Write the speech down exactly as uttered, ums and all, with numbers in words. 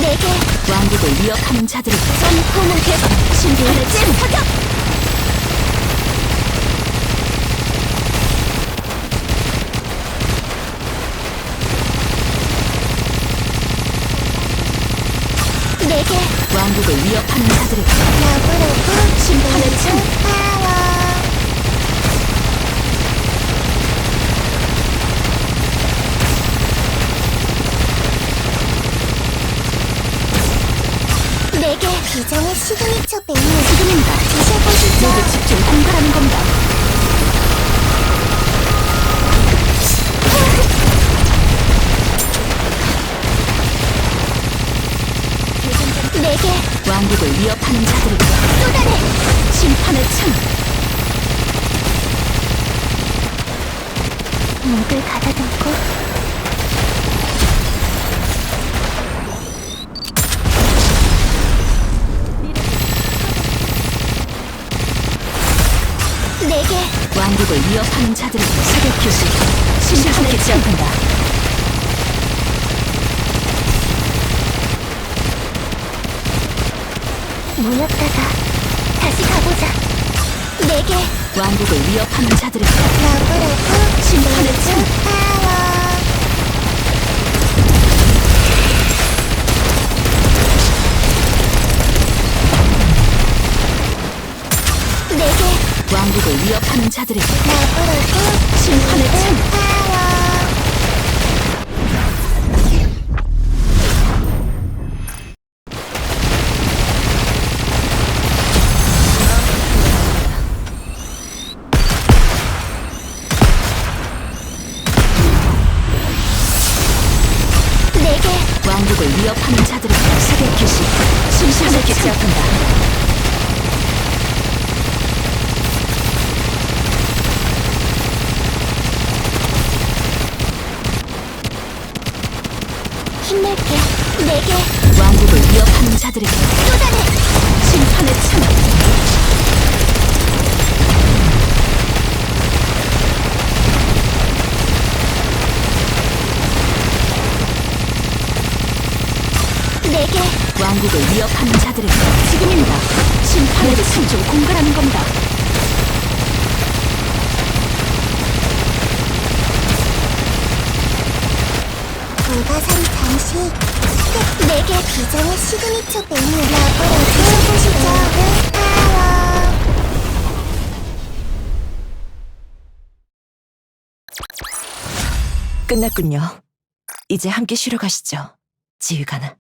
내게 왕국을 위협하는 자들을 전포문 개방 신비한의 찜 사격. 내게 왕국을 위협하는 자들을 러브러브 심판의 침 파워. 내게 비장의 시그니처 메뉴 지금입니다. 드셔보시죠. 모두 집중 공갈하는 겁니다. 내게 왕국을 위협하는 자들을 쏟아내. 심판의 창 목을 가다듬고 내게 왕국을 위협하는 자들을 사격 교시 심판의 창한다. 모였다가 다시 가보자. 내게 왕국을 위협하는 자들을 러브러브 심판의 창 파워. 내게 왕국을 위협하는 자들을 러브러브 심판의 창 파워. 내게 왕국을 위협하는 자들을 사격 교시 심판의 창한다. 힘낼게. 내게 왕국을 위협하는 자들을 쏟아내. 심판의 창 내게 왕국을 위협하는 자들을 지금입니다. 심판의 창조 공갈하는 겁니다. 불가사리 장식. 끝. 내게 비장의 시그니처 메뉴 러브러브 드셔보시죠. 파워. 끝났군요. 이제 함께 쉬러 가시죠. 지휘관아.